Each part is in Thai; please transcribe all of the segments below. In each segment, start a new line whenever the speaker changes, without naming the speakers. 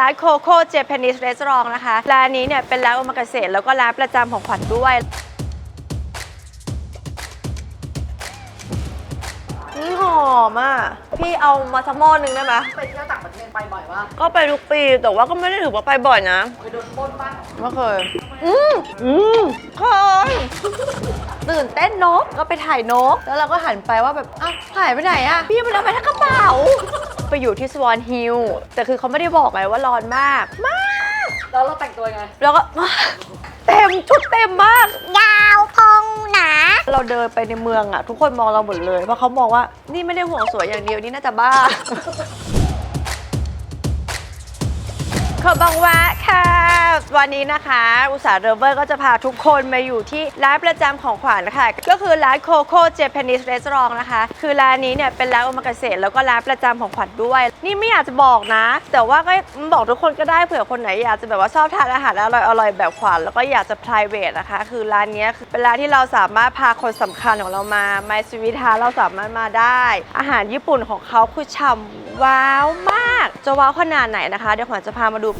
านโคโค่เจแปนิสรีสอร์ทนะคะร้านนี้เนี่ยเป็นร้านโอมากาเสะแล้วก็ร้านประจำของขวัญด้วยนี่หอมอ่ะพี่เอามาสักหม้อนึงได้ไหม
ไปเที่ยวต่างประเทศไปบ่อยว่า
ก็ไปทุกปีแต่ว่าก็ไม่ได้ถือว่าไปบ่อยนะ
ไปโดนปล้นบ้าง
ไม่เคยเคยตื่นเต้นนกก็ไปถ่ายนกแล้วเราก็หันไปว่าแบบอ้าวหายไปไหนอะพี่มันเอาไปทั้งกระเป๋าไปอยู่ที่สวอนฮิลแต่คือเขาไม่ได้บอกไงว่าร้อนมาก
แล้วเราแต่งตัวไง
แล้วก็เต็มชุดเต็มมาก
ยาวพองหนา
เราเดินไปในเมืองอะทุกคนมองเราหมดเลยเพราะเขามองว่านี่ไม่ได้ห่วงสวยอย่างเดียวนี่น่าจะบ้าขอบังวะค่ะวันนี้นะคะอุตสาห์เรเวอร์ก็จะพาทุกคนมาอยู่ที่ร้านประจำของขวัญนะคะก็คือร้านโคโค่เจแปนิสรีสอร์ทนะคะคือร้านนี้เนี่ยเป็นร้านโอมากาเสะแล้วก็ร้านประจำของขวัญด้วยนี่ไม่อยากจะบอกนะแต่ว่าก็บอกทุกคนก็ได้เผื่อคนไหนอยากจะแบบว่าชอบทานอาหารอร่อยแบบขวัญแล้วก็อยากจะ private นะคะคือร้านนี้คือเป็นร้านที่เราสามารถพาคนสำคัญของเรามาไมซ์วิทาเราสามารถมาได้อาหารญี่ปุ่นของเขาคือฉ่ำว้าวมากจะว้าวขนาดไหนนะคะเดี๋ยวขวัญจะพามาดู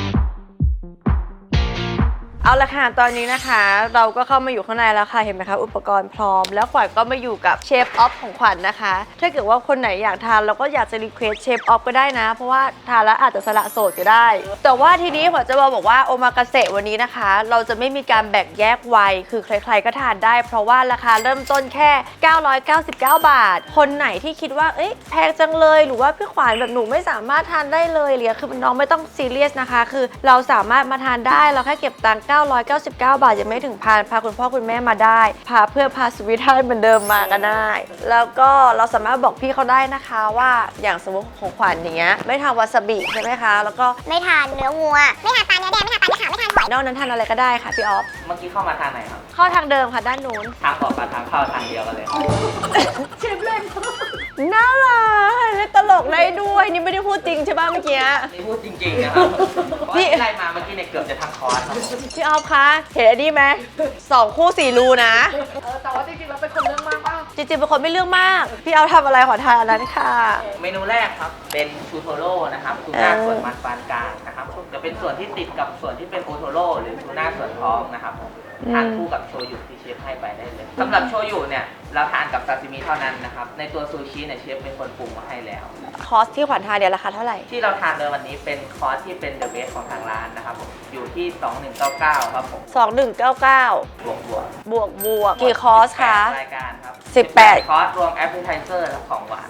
เอาละค่ะตอนนี้นะคะเราก็เข้ามาอยู่ข้างในแล้วค่ะเห็นไหมคะอุปกรณ์พร้อมแล้วขวัญก็มาอยู่กับเชฟออฟของขวัญนะคะถ้าเกิดว่าคนไหนอยากทานเราก็อยากจะรีเควสเชฟออฟก็ได้นะเพราะว่าทานแล้วอาจจะสละโสดก็ได้แต่ว่าทีนี้ขวัญจะบอกว่าโอมากาเสะวันนี้นะคะเราจะไม่มีการแบ่งแยกวัยคือใครๆก็ทานได้เพราะว่าราคาเริ่มต้นแค่999 บาทคนไหนที่คิดว่าเอ๊ะแพงจังเลยหรือว่าพี่ขวัญแบบหนูไม่สามารถทานได้เลยหรือคือน้องไม่ต้องซีเรียสนะคะคือเราสามารถมาทานได้เราแค่เก็บตังค์999 บาทยังไม่ถึงพันพาคุณพ่อคุณแม่มาได้พาเพื่อนพาสวิตให้เหมือนเดิมมาก็ได้แล้วก็เราสามารถบอกพี่เขาได้นะคะว่าอย่างสมมติของขวัญอย่างเงี้ยไม่ทานวาซาบิใช่ไหมคะแล้วก็
ไม่ทานเนื้อวัวไม่ทานปลาเนื้อแดงไม่ทานปลาเนื้อขาวไม่ทานหอย
นอกนั้นทานอะไรก็ได้ค่ะพี่ออฟ
เมื่อกี้เข้ามาทางไหนครับ
เข้าทางเดิมค่ะด้านนู้น
ทางออกกับทางเข้าทางเดียวกันเลย
เชฟเล่น
น่ารักเล่นตลกได้ด้วยนี่ไม่ได้พูดจริงใช่ป่ะเมื่อกี้
นี่พูดจริงๆนะครับพี่ไล่มาเมื่อกี้เนี่ยเกือบจะทั้งคอร์สครับ
พี่ออฟคะเห็นอันนี้ไหม2 คู่4 รูนะ
แต่ว่าจริงๆเราเป็นคนเรื่องมากป่ะ
จริงๆเป็นคนไม่เรื่องมากพี่เอาทำอะไรขอทานอันนั้นค่ะ
เมนูแรกครับเป็นชูโทโร่นะครับทูน่าส่วนมันปานกลางนะครับจะเป็นส่วนที่ติดกับส่วนที่เป็นโอโทโร่หรือทูน่าส่วนท้องนะครับทานคู่กับโชยุที่เชฟให้ไปได้เลยสำหรับโชยุเนี่ยเราทานกับซาซิมิเท่านั้นนะครับในตัวซูชิเนี่ยเชฟเป็นคนปรุงมาให้แล้ว
คอสที่ขวัญทานเดี๋ยวราคาเท่าไหร่
ที่เราทานในวันนี้เป็นคอร์สที่เป็นเดอะเบสของทางร้านนะครับผมอยู่ที่2199ครับผม
2199บวกกี่คอร์สคะ
รายการครับ
18
คอร์สรวมแอปเปิลไทเซอร์และของหวาน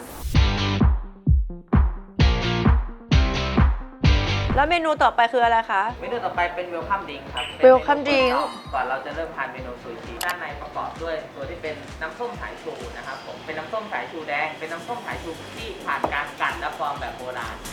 แล้วเมนูต่อไปคืออะไรคะ
เมนูต่อไปเป็นเวลคัมดิงครับ
เวลคัมดิง
ก่อนเราจะเริ่มทานเมนูซูชิด้านในประกอบด้วยตัวที่เป็นน้ำส้มสายชูนะครับผมเป็นน้ำส้มสายชูแดงเป็นน้ำส้มสายชูที่ผ่านการกั่นและฟอร์มแบบโบราณ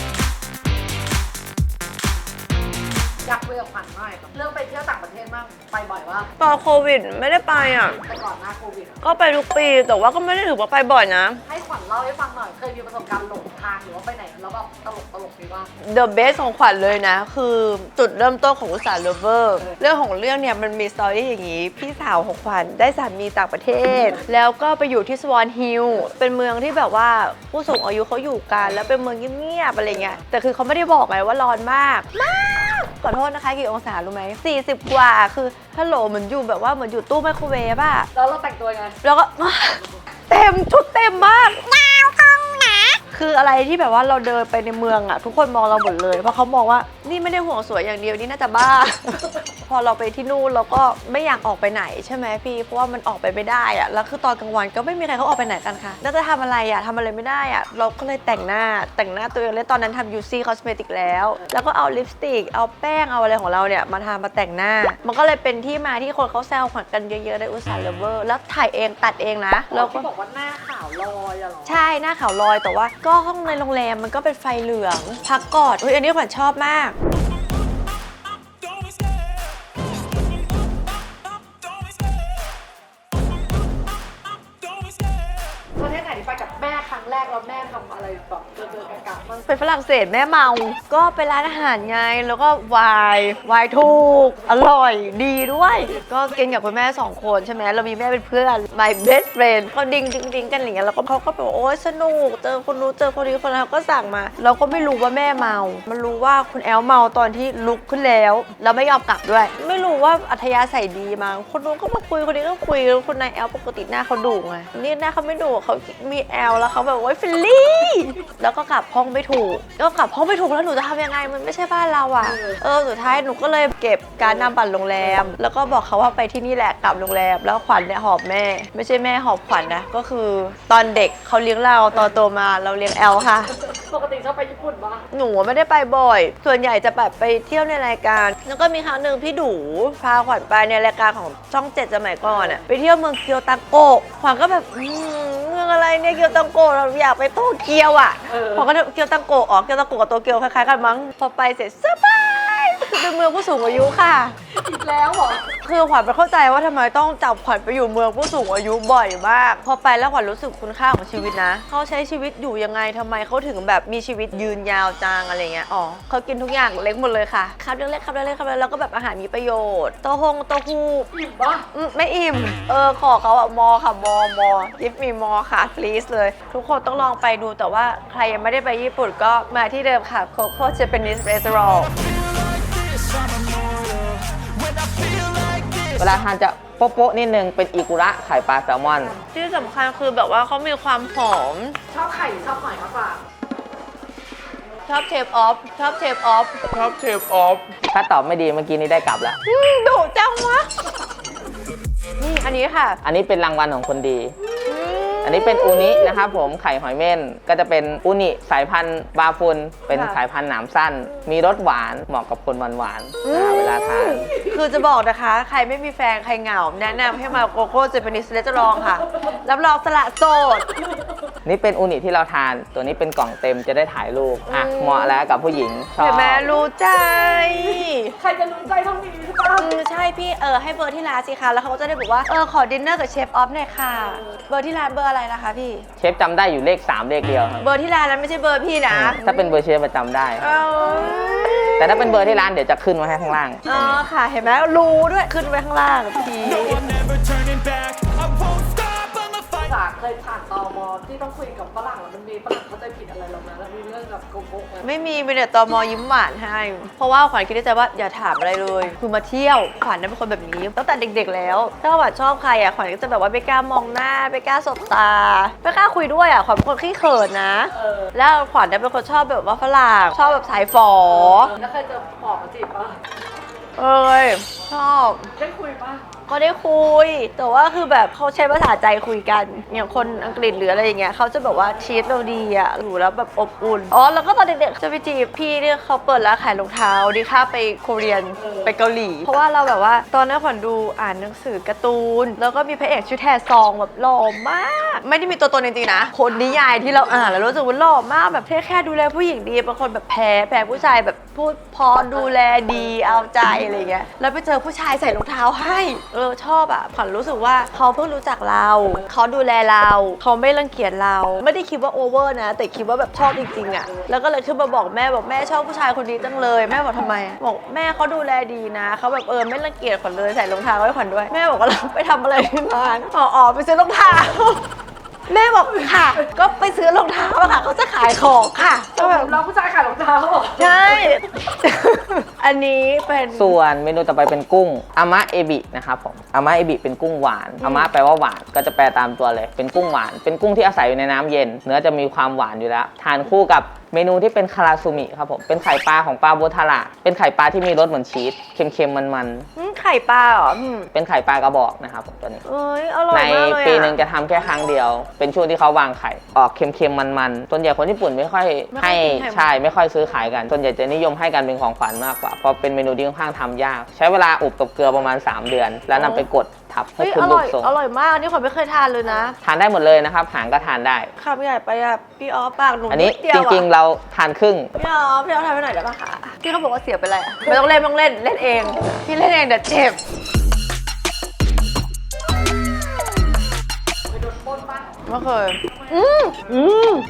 อยากคุยกับขวัญหน่อยเรื่องไปเที่ยวต่างประเทศบ้างไปบ่อยว่า
ตอนโควิดไม่ได้ไปอ่ะ
แต่ก่อนหน้าโควิด
ก็ไปทุกปีแต่ว่าก็ไม่ได้ถือว่าไปบ่อยนะ
ให้ขวัญเล่าให้ฟังหน่อยเคยมีประสบการณ์หลงทางหรือว่าไปไหนแล้วแบบตลกมีบ้าง
The best ของขวัญเลยนะคือจุดเริ่มต้นของอุตสาห Lover เรื่องของเรื่องเนี่ยมันมีสตอรี่อย่างนี้พี่สาวของขวัญได้สามีต่างประเทศแล้วก็ไปอยู่ที่สวอนฮิลเป็นเมืองที่แบบว่าผู้สูงอายุเขาอยู่กันแล้วเป็นเมืองเงียบๆอะไรเงี้ยแต่คือเขาไม่ได้บอกไงว่าร้อนมากขอโทษนะคะกี่องศารู้ไหม40 กว่าคือฮัลโหลเหมือนอยู่แบบว่าเหมือนอยู่ตู้ไมโครเวฟอะ
แล้วเราแต่งตัวไง
แล้วก็เต็มชุดเต็มมาก
ยาวพองหนา
คืออะไรที่แบบว่าเราเดินไปในเมืองอะทุกคนมองเราหมดเลยเพราะเขามองว่านี่ไม่ได้ห่วงสวยอย่างเดียวนี่น่าจะบ้า พอเราไปที่นู่นเราก็ไม่อยากออกไปไหนใช่ไหมพี่เพราะว่ามันออกไปไม่ได้อะแล้วคือตอนกลางวันก็ไม่มีใครเขาออกไปไหนกันค่ะแล้วจะทำอะไรอะทำอะไรไม่ได้อะเราก็เลยแต่งหน้าตัวเองเลยตอนนั้นทำ UC Cosmetic แล้วก็เอาลิปสติกเอาแป้งเอาอะไรของเราเนี่ยมาทามาแต่งหน้ามันก็เลยเป็นที่มาที่คนเขาแซวขวัญกันเยอะๆในอุตสาห Lover แล้วถ่ายเองตัดเองนะ
แล้วก็บอกว่าหน้าขาวลอยอะหรอ
ใช่หน้าขาวลอยแต่ว่าก็ห้องในโรงแรมมันก็เป็นไฟเหลืองพักกอดอันนี้ขวัญชอบมาก
ประเทศไหนที่ไปกับแม่ครั้งรั้งแรกแล้วแม่ทำอะไรแบบเจอกะบ้าง
ไปฝรั่งเศสแม่เมา ก็ไปร้านอาหารไง แล้วก็วายถูก อร่อยดีด้วย ก็กินกับคุณแม่2 คนใช่ไหมเรามีแม่เป็นเพื่อน my best friend ก็ดิ้งกันอย่างเงี้ยแล้วก็เขาก็แบบโอ๊ยสนุกเจอคนนู้นเจอคนนี้คนนั้นก็สั่งมา เราก็ไม่รู้ว่าแม่เมา มันรู้ว่าคุณแอลเมาตอนที่ลุกขึ้นแล้วแล้วไม่ยอมกลับด้วย ไม่รู้ว่าอัธยาศัยดีมั้งคนนู้นก็มาคุยคนนี้ก็คุยแล้วคนนายแอลปกติหน้าเขาดุไงนี่หน้าเขาไม่ดุเขามีแอลแล้วเขาแบบโอ๊ยฟิลลี่แล้วก็กลับห้องไม่ถูกก็กลับห้องไม่ถูกแล้วหนูจะทำยังไงมันไม่ใช่บ้านเราอ่ะสุดท้ายหนูก็เลยเก็บการนำบัตรโรงแรมแล้วก็บอกเขาว่าไปที่นี่แหละกลับโรงแรมแล้วขวัญเนี่ยหอบแม่ไม่ใช่แม่หอบขวัญนะก็คือตอนเด็กเขาเลี้ยงเราตอนโตมาเราเลี้ยงแอลค่ะ
ปกติชอบไปญี่ปุ่นปะ
หนูไม่ได้ไปบ่อย ส่วนใหญ่จะแบบไปเที่ยวในรายการ แล้วก็มีครั้งหนึ่งพี่ดูพาขวัญไปในรายการของช่อง 7สมัยก่อนอะไปเที่ยวเมืองเกียวตังโกะขวัญก็แบบเมืองอะไรเนี่ยเกียวตังโกะเราอยากไปโตเกียวอะขวัญก็เกียวตังโกะเกียวตังโกะกับโตเกียวคล้ายๆกันมั้งพอไปเสร็จสบายเป็นเมืองผู้สูงอายุค่ะ
อีกแล้วเหรอ
คือขวัญไปเข้าใจว่าทำไมต้องจับขวัญไปอยู่เมืองผู้สูงอายุบ่อยมาก พอไปแล้วขวัญรู้สึกคุณค่าของชีวิตนะเขาใช้ชีวิตอยู่ยังไงทำไมเขาถึงแบบมีชีวิตยืนยาวจังอะไรเงี้ยอ๋อเขากินทุกอย่างเล็กหมดเลยค่ะครับเล็กๆครับเล็กๆครับเล็กๆแล้วก็แบบอาหารมีประโยชน์เต้าหู้
อิ่มปะ
ไม่อิ่มขอเขาอะมอค่ะมอยิฟมีมอค่ะ please เลย ทุกคนต้องลองไปดูแต่ว่าใครยังไม่ได้ไปญี่ปุ่นก็มาที่เดิมค่ะ Coco Japanese Restaurant
เวลาทานจะโป๊ะๆนิดนึงเป็นอิกุระไข่ปลาแซลมอน
ที่สำคัญคือแบบว่าเขามีความหอม
ชอบไข่ชอบหอยมากกว่า
ชอบเชฟออฟ
ถ้าตอบไม่ดีเมื่อกี้นี้ได้กลับแล้ว
ดุจังวะ นี่อันนี้ค่ะ
อันนี้เป็นรางวัลของคนดี อันนี้เป็นอูนินะครับผมไข่หอยเม่นก็จะเป็นอูนิสายพันธุ์บาฟุนเป็น
ค่ะ
สายพันธุ์หนามสั้น มีรสหวานเหมาะกับคนหวานๆเวลาทาน
คือจะบอกนะคะ ใครไม่มีแฟนใครเหงา แนะนำให้มาโกโก้เจแปนิสเรสลองค่ะ รับรองสละโสด
นี่เป็นอูนิที่เราทาน ตัวนี้เป็นกล่องเต็มจะได้ถ่ายรูปอ่ะเหมาะแล้วกับผู้หญิงชอบ
เห็นไหมรู้ใจ
ใครจะรู้ใจเท่านี้ใช่ปะ
ใช่พี่ให้เบอร์ที่ร้านสิคะแล้วเขาก็จะได้บอกว่าขอดินเนอร์กับเชฟออฟหน่อยค่ะ เบอร์ที่ร้านเบอร์อะไรนะคะพี่
เชฟจำได้อยู่เลข 3 เลขเดียวครับ
เบอร์ที่ร้านนั้นไม่ใช่เบอร์พี่นะ
ถ้าเป็นเบอร์เชฟประจำได้
เอา
แต่ถ้าเป็นเบอร์ที่ร้านเดี๋ยวจะขึ้นไว้ให้ข้างล่าง
อ๋อค่ะเห็นไหมรู้ด้วยขึ้นไว้ข้างล่างพี่
never turning back. I won't stop, I'ma fight.
สาเคยผ่านตมที่ต้องคุยกับฝรั่งแล้วมันมีฝรั่งเข้าใจผิดอะไรเราไหมแล้วมีเรื่องกับโกโก้ไหม
ไม่มีแต่ตมยิ้มหวานให้ เพราะว่าขวัญคิดในใจว่าอย่าถามอะไรเลย คือมาเที่ยวขวัญนั้นเป็นคนแบบนี้ตั้งแต่เด็กๆแล้วถ้าขวัญชอบใครขวัญก็จะแบบว่าไม่กล้ามองหน้าไม่กล้าสบตาไม่กล้าคุยด้วยขวัญเป็นคนขี้เขินนะ แล้วขวัญเนี่ยเป็นคนชอบแบบว่าฝรั่งชอบแบบสายฝอ
แล้วเคยเจอปอบมาจีบปะ
ชอบ
ได้คุยปะ
ก็ได้คุย แต่ว่าคือแบบเขาใช้ภาษาใจคุยกันอย่างคนอังกฤษหรืออะไรอย่างเงี้ยเขาจะแบบว่าชีสเราดีอยู่แล้วแบบอบอุ่นแล้วก็ตอนเด็กๆจะไปจีบพี่เนี่ยเขาเปิดร้านขายรองเท้าดีค่าไปโคเรียนไปเกาหลี เพราะว่าเราแบบว่าตอนนั้นขวัญดูอ่านหนังสือการ์ตูนแล้วก็มีพระเอกชื่อแทซองแบบหล่อมาก ไม่ได้มีตัวตนจริงๆนะคนนิยายที่เราอ่านแล้วรู้สึกว่าหล่อมากแบบแค่ดูแลผู้หญิงดีเป็นคนแบบแพ้ผู้ชายแบบพูดพอดูแลดีเอาใจอะไรเงี้ยแล้วไปเจอผู้ชายใส่รองเท้าให้ชอบขวัญรู้สึกว่าเขาเพิ่งรู้จักเราเขาดูแลเราเขาไม่รังเกียจเราไม่ได้คิดว่าโอเวอร์นะแต่คิดว่าแบบชอบจริงๆแล้วก็เลยขึ้นมาบอกแม่ชอบผู้ชายคนนี้จังเลยแม่บอกทำไมบอกแม่เขาดูแลดีนะเขาแบบไม่รังเกียจขวัญเลยใส่รองเท้าให้ขวัญด้วยแม่บอกว่าเราไปทำอะไรที่ร้านไปซื้อรองเท้าแม่บอกค่ะก็ไปซื้อรองเท้าค่ะเขาจะขายของค่ะก็แบบ
เราผู้ชายขายรองเท้าเหรอ
ใช่ อันนี้เป็น
ส่วนเมนูต่อไปเป็นกุ้งอามะเอบินะครับผมอามะเอบิเป็นกุ้งหวานอามะแปลว่าหวานก็จะแปลตามตัวเลยเป็นกุ้งหวานเป็นกุ้งที่อาศัยอยู่ในน้ำเย็นเนื้อจะมีความหวานอยู่แล้วทานคู่กับเมนูที่เป็นคาราซูมิครับผมเป็นไข่ปลาของปลาโบทาระเป็นไข่ปลาที่มีรสเหมือนชีสเค็มๆมัน
ไข่ปลาเหรอ
ๆเป็นไข่ปลากระบอกนะครับผมตัวนี้
อร่อย
ใน
มากเลย
ปีหนึ่งจะทำแค่ครั้งเดียว เป็นช่วงที่เขาวางไข่ออกเค็มๆมันๆส่วนใหญ่คนญี่ปุ่นไม่ค่อยให้ใช่ไม่ค่อยซื้อขายกันส่วนใหญ่จะนิยมให้กันเป็นของขวัญมากกว่าเพราะเป็นเมนูที่ค่อนข้างทำยาก ใช้เวลาอบกับเกลือประมาณ3เดือน แล้วนำไปกดทับให้
เฮ้ย
ขึ้
อน
รู
ร่อ
ป
ย
ทรง
อร่อยมากนี่ขวัญไม่เคยทานเลยนะ
ทานได้หมดเลยนะครับหางก็ทานได้
คำใหญ่ไปพี่ออฟปากหนู
อันนี้
ดเดียว
จริงๆเราทานครึ่ง
พี่ออฟทานไปหน่อยได้ปะคะพี่เขาบอกว่าเสียไปเลยไม่ต้องเล่นเล่นเองพี่เล่นเองเดี๋ยวเจ็บ
ไปโดนปล้นปะ
ไม่เคย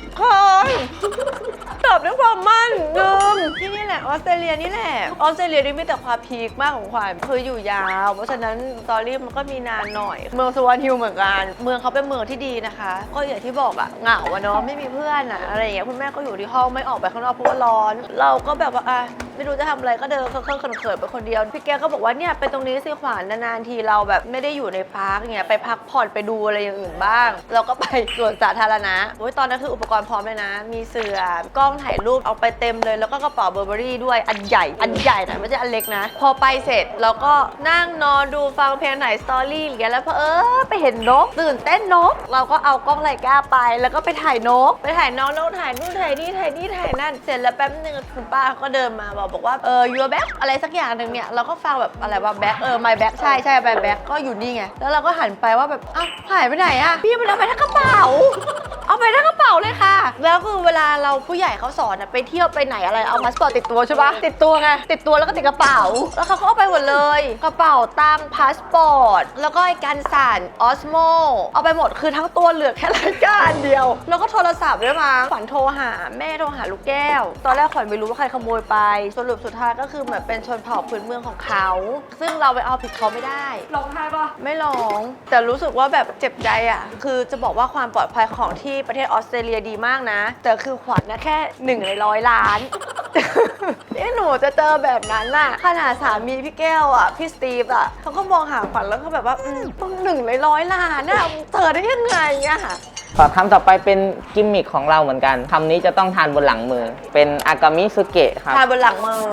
ออสเตรเลียนี่แหละออสเตรเลียนี่มีแต่ความพีคมากของขวัญคืออยู่ยาวเพราะฉะนั้นสตอรี่มันก็มีนานหน่อยเมืองสวอนฮิลเหมือนกันเมืองเขาเป็นเมืองที่ดีนะคะ ก็อย่างที่บอกอะเหงาอะเนาะไม่มีเพื่อนอะอะไรอย่างเงี้ยคุณแม่ก็อยู่ที่ห้องไม่ออกไปข้างนอกเพราะว่าร้อน เราก็แบบว่าไม่รู้จะทำอะไรก็เดินเคอะๆเขินๆไปคนเดียวพี่แกก็บอกว่าเนี่ยไปตรงนี้สิขวัญนานๆทีเราแบบไม่ได้อยู่ในพาร์คอย่างเงี้ยไปพักผ่อนไปดูอะไรอย่างอื่นบ้าง เราก็ไปสวนสาธารณะโอ้ยตอนนั้นคืออุปกรณ์พร้อมเลยนะ มีเสื่อกล้องถ่ายรูปเอาไปเต็มเลยแล้วก็กระเป๋าเบอร์เบอรี่ด้วยอันใหญ่นะไม่ใช่อันเล็กนะ พอไปเสร็จเราก็นั่งนอนดูฟังเพลงไหนสตอรี่อย่างเงี้ยแล้วไปเห็นนกตื่นเต้นนก เราก็เอากล้องไลกาไปแล้วก็ไปถ่ายนกไปถ่ายน้องถ่ายนู่นถ่ายนี่ถ่ายนั่นเสร็จแล้วแป๊บนึงคุณป้าก็เดินมาบอกว่าyour back อะไรสักอย่างหนึ่งเนี่ยเราก็ฟังแบบอะไรว่า back my back ใช่ my back ก็อยู่นี่ไงแล้วเราก็หันไปว่าแบบหายไปไหนอะพี่มันเอาไปทั้งกระเป๋าเอาไปทั้งกระเป๋าเลยค่ะแล้วคือเวลาเราผู้ใหญ่เขาสอนไปเที่ยวไปไหนอะไรเอาพาสปอร์ตติดตัวใช่ปะติดตัวไงติดตัวแล้วก็ติดกระเป๋าแล้วเขาก็เอาไปหมดเลยกระเป๋าตังค์พาสปอร์ตแล้วก็ไอ้กันสั่นออสโมเอาไปหมดคือทั้งตัวเหลือแค่รายการเดียวแล้วก็โทรศัพท์ด้วยมาขวัญโทรหาแม่โทรหาลูกแก้วตอนแรกขวัญไม่รู้ว่าใครขโมยไปสรุปสุดท้ายก็คือเหมือนเป็นชนเผ่าพื้นเมืองของเขาซึ่งเราไปเอาผิดเขาไม่ได้
ร้องไห้ปะ
ไม่ร้องแต่รู้สึกว่าแบบเจ็บใจอ่ะคือจะบอกว่าความปลอดภัยของที่ประเทศออสเตรเลียดีมากนะแต่คือขวัญนะแค่1 ใน 100 ล้าน นี่หนูจะเจอแบบนั้นน่ะขนาดสามีพี่แก้วอ่ะพี่สตีฟอ่ะเขาก็มองหาขวัญแล้วก็แบบว่าต้อง1 ใน 100 ล้านน่ะเธอได้ยังไงอ่ะ
ขอคำต่อไปเป็นกิมมิคของเราเหมือนกันคำนี้จะต้องทานบนหลังมือเป็นอากามิสุเกะครับ
ทาบนหลังมือ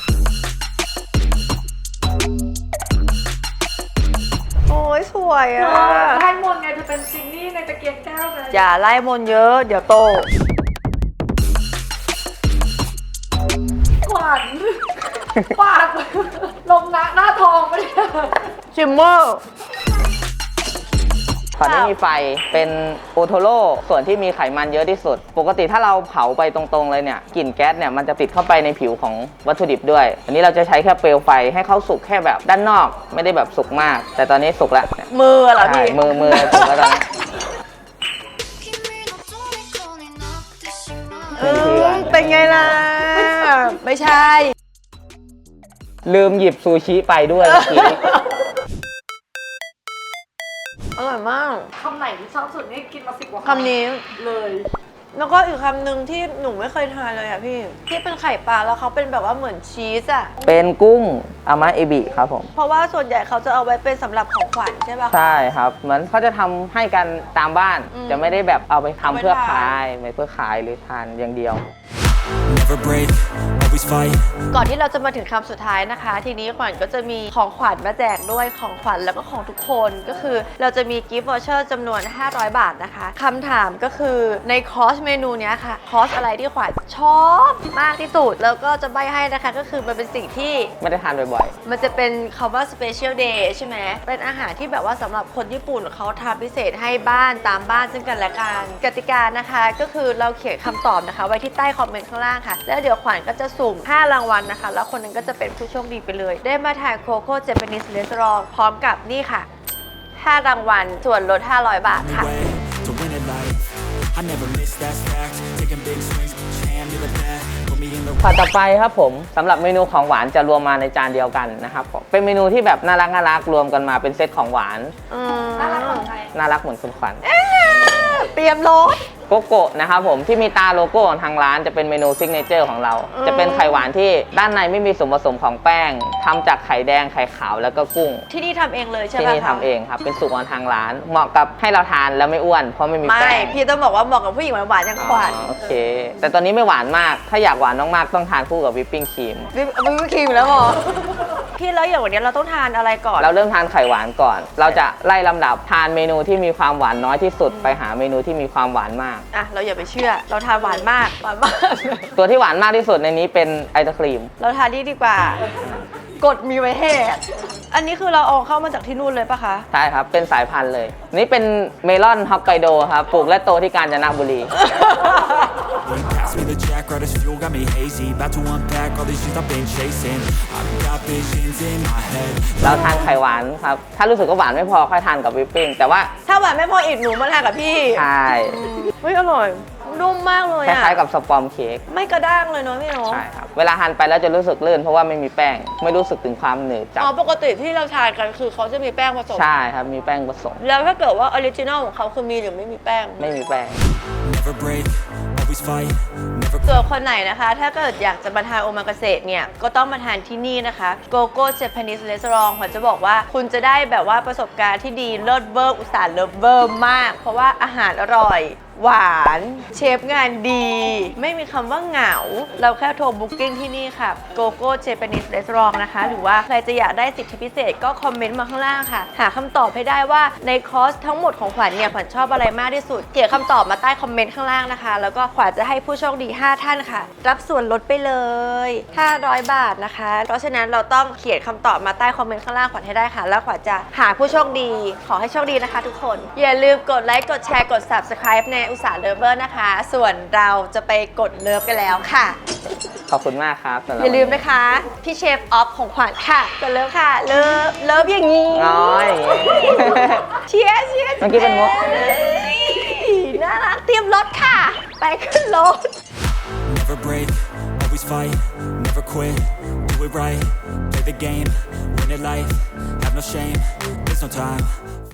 โอ้ยสวยอ่ะ
ไล่มนต์ไงจะเป็นจินนี่ในตะเกียงแก้วไง
อย่าไล่มนต์เยอะเดี๋ยวโต
ขวัญปากลงหน้าทองไปเนี่ย
ชิมเมอร์
ขอไม่มีไฟเป็นโอโทโร่ส่วนที่มีไขมันเยอะที่สุด ปกติถ้าเราเผาไปตรงๆเลยเนี่ยกลิ่นแก๊สเนี่ยมันจะติดเข้าไปในผิวของวัตถุดิบด้วย อันนี้เราจะใช้แค่เปลวไฟให้เขาสุกแค่แบบด้านนอกไม่ได้แบบสุกมาก แต่ตอนนี้สุกแล้ว
มือเหรอ
ใช่
พี่
มือสุกแล้วตอนนี้
เป็นไงล่ะ ไม่ใช่
ลืมหยิบซูชิไปด้วยเมื่อกี้
อร่อยมาก
คำไหนที่ชอบสุดนี่กินมา10 กว่า
คำนี้
เลย
แล้วก็อีกคำหนึ่งที่หนูไม่เคยทานเลยอ่ะพี่ ที่เป็นไข่ปลาแล้วเขาเป็นแบบว่าเหมือนชีสอ่ะ
เป็นกุ้งอามาเอบิครับผม
เพราะว่าส่วนใหญ่เขาจะเอาไว้เป็นสำหรับของขวัญใช่ป่ะ
ใช่ครับ เหมือนเขาจะทำให้กันตามบ้าน จะไม่ได้แบบเอาไปทำเพื่อขายไม่เพื่อขายหรือทานอย่างเดียว
Never break, always fight.
ก่อนที่เราจะมาถึงคำสุดท้ายนะคะ ทีนี้ขวัญก็จะมีของขวัญมาแจกด้วยของขวัญแล้วก็ของทุกคนก็คือเราจะมีกิฟต์วอเชอร์จำนวน500 บาทนะคะคำถามก็คือในคอร์สเมนูเนี้ยค่ะคอร์สอะไรที่ขวัญชอบมากที่สุดแล้วก็จะใบ้ให้นะคะก็คือมันเป็นสิ่งที่
ไม่ได้ทานบ่อย
มันจะเป็นคำว่า special day ใช่ไหมเป็นอาหารที่แบบว่าสำหรับคนญี่ปุ่นเขาทำพิเศษให้บ้านตามบ้านซึ่งกันและกันกติกานะคะก็คือเราเขียนคำตอบนะคะไว้ที่ใต้คอมเมนต์ข้างล่างค่ะแล้วเดี๋ยวขวัญก็จะสุ่ม5 รางวัลนะคะแล้วคนหนึงก็จะเป็นผู้โชคดีไปเลย ได้มาทานโคโค่เจแปนิสเรสตอรองพร้อมกับนี่ค่ะ5 รางวัลส่วนลด500 บาทค่ะ
Way to win at life. I never miss that fact. Taking big swings, put your hand to the bat. Put me in the
ๆ ต่อไปครับผมสำหรับเมนูของหวานจะรวมมาในจานเดียวกันนะครับผมเป็นเมนูที่แบบน่ารักรวมกันมาเป็นเซตของหวาน
น่ารักเหมือนใคร
น่ารักเหมือนคุณขวัญ
เตรียมรถ
โกโก้นะครับผมที่มีตาโลโก้ของทางร้านจะเป็นเมนูซิกเนเจอร์ของเรา จะเป็นไข่หวานที่ด้านในไม่มีส่วนผสมของแป้งทำจากไข่แดงไข่ขาวแล้วก็กุ้ง
ที่นี่ทำเองเลยใช่
ที่
ไหม
นี่ทำเองครับเป็นสูตรของทางร้าน เหมาะกับให้เราทานแล้วไม่อ้วนเพราะไม่มี
ไม่
แป้ง
พี่ต้องบอกว่าเหมาะกับผู้หญิงหวานๆอย่างขวัญ
อ๋อโอเค แต่ตอนนี้ไม่หวานมาก ถ้าอยากหวานมากๆต้องทานคู่กับวิปปิ้งครีม
วิปครีมแล้วหรอ พี่แล้วอย่างวันนี้เราต้องทานอะไรก่อน
เราเริ่มทานไข่หวานก่อน เราจะไล่ลำดับทานเมนูที่มีความหวานน้อยที่สุดไปหาเมนูที่มีความหวานมาก
อ่ะเราอย่าไปเชื่อ เราทานหวานมาก
ตัวที่หวานมากที่สุดในนี้เป็นไอศครีม
เราทานนี่ดีกว่า กดมีไว้ให้อันนี้คือเราเอาเข้ามาจากที่นู่นเลยปะคะ
ใช่ครับ เป็นสายพันธุ์เลย นี่เป็นเมลอนฮอกไกโดครับ ปลูกและโตที่กาญจนบุรี
When you pass me the jack, right as fuel, got me hazy. About to unpack all these things I've been chasing. I've got visions in my head.
เราทานไข่หวานครับ ถ้ารู้สึกว่าหวานไม่พอค่อยทานกับวิปปิ้ง แต่ว่า
ถ้าหวานไม่พออีกหนูมาทานกับพี่
ใช่
เฮ้ยอร่อยนุ่มมากเลย
ค
อะ
ล้ายๆกับสปอมเค้ก
ไม่กระด้างเลยเนาะพี่เนาะ
ใช่ครับ เวลาหั่นไปแล้วจะรู้สึกลื่นเพราะว่าไม่มีแป้ง ไม่รู้สึกถึงความหนืดจับ
อ๋อปกติที่เราทานกันคือเขาจะมีแป้งผสม
ใช่ครับ มีแป้งผสม
แล้วถ้าเกิดว่าออริจินอลของเขาคือมีหรือไม่มีแป้ง
ไม่มีแป้ง
Never break, always fight, never
ส่วนคนไหนนะคะ ถ้าเกิดอยากจะมาทานโอมากาเสะเนี่ย ก็ต้องมาทานที่นี่นะคะ GoGo Japanese Restaurant ขวัญจะบอกว่าคุณจะได้แบบว่าประสบการณ์ที่ดีเลิศเวอร์อุตส่าห์เลิศเวอร์มาก เพราะว่าอาหารอร่อย หวานเชฟงานดี ไม่มีคำว่าเหงา เราแค่โทรบุ๊กิ้งที่นี่ค่ะ GoGo Japanese Restaurant นะคะ หรือว่าใครจะอยากได้สิทธิพิเศษก็คอมเมนต์มาข้างล่างค่ะ หาคำตอบให้ได้ว่าในคอร์สทั้งหมดของขวัญเนี่ยขวัญชอบอะไรมากที่สุดเขียนคำตอบมาใต้คอมเมนต์ข้างล่างนะคะ แล้วก็ขวัญจะให้ผู้โชคดี 5 ท่านค่ะ รับส่วนลดไปเลย500 บาทนะคะ เพราะฉะนั้นเราต้องเขียนคำตอบมาใต้คอมเมนต์ข้างล่างขวัญให้ได้ค่ะ แล้วขวัญจะหาผู้โชคดี ขอให้โชคดีนะคะ ทุกคน อย่าลืมกดไลค์กดแชร์กด Subscribe ในอุตสาหเลเวอร์นะคะ ส่วนเราจะไปกดเลิฟกันแล้วค่ะ
ขอบคุณมากครับสำหรับ
อย่าลืมนะคะ พี่เชฟออฟของขวัญค่ะกดเลิฟค่ะ เลิฟอย่างนี้
น้อยอย่างงี้
เชียร์เชียร์
เมื่อกี้เป็นมุก
เอ้ยน่ารักเตรียมรถค่ะ ไปขึ้นรถ
Never break, always fight, never quit, do it right, play the game, win it life, have no shame, there's no time,